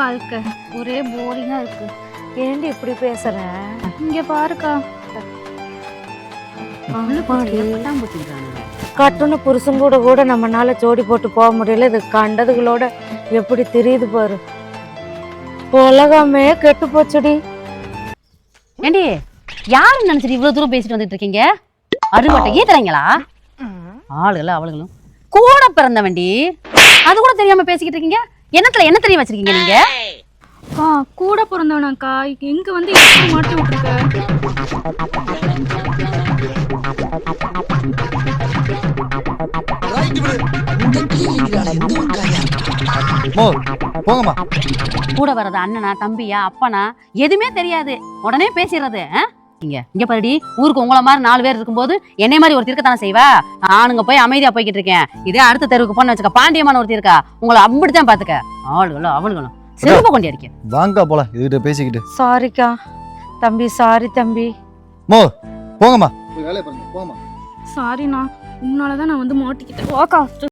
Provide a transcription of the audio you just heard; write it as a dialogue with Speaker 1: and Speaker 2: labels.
Speaker 1: வாழ்க்கை ஒரே போரிங்கா இருக்கு.
Speaker 2: ஏண்டி இப்படி பேசுற?
Speaker 1: இங்க பாருக்கா,
Speaker 2: கட்டுன புருஷன் கூட கூட நம்மனால ஜோடி போட்டு போக முடியல. இது கண்டதுகளோட எப்படி தெரியுது பாரு. உலகமே கெட்டு போச்சுடி.
Speaker 3: ஏண்டி யாரு நினைச்சிட்டு இவ்வளவு தூரம் பேசிட்டு வந்துட்டு இருக்கீங்க? அருங்கோட்டை ஈத்துறீங்களா? ஆளுகளும் அவளுகளும் கூட பிறந்தவண்டி, அது கூட தெரியாம பேசிக்கிட்டு இருக்கீங்க. என்ன தெரிய வச்சிருக்கீங்க நீங்க?
Speaker 1: அக்கா கூட பிறந்தவனாக்கா, எங்க வந்து எப்படி மாட்டி விட்டுருக்க?
Speaker 4: போங்கம்மா.
Speaker 3: கூட வர்றது அண்ணனா தம்பியா அப்பனா எதுவுமே தெரியாது, உடனே பேசிடுறது. இங்க பாருடி, ஊருக்கு உங்களை மாதிரி 4 பேர் இருக்கும்போது என்னை மாதிரி ஒருத்தர் இருக்கத்தானே செய்வா. நானுங்க போய் அமைதியா போய்கிட்டு இருக்கேன். இதே அடுத்த தெருவுக்கு போன வச்சுக்க, பாண்டியமான ஒருத்தர் இருக்கா, உங்களை அப்படித்தான் பாத்துக்க. ஆளுகளும் அவளுகளும் செருப்ப கொண்டு இருக்கேன்.
Speaker 4: வாங்க போலாம் இதுகிட்ட பேசிக்கிட்டு.
Speaker 2: சாரிக்கா தம்பி, சாரி தம்பி.
Speaker 4: போங்கம்மா. வேலையை பாருங்க, போங்கம்மா.
Speaker 1: சாரிண்ணா, உன்னாலதான் நான் வந்து மாட்டிக்கிட்டேன். வாக்கா.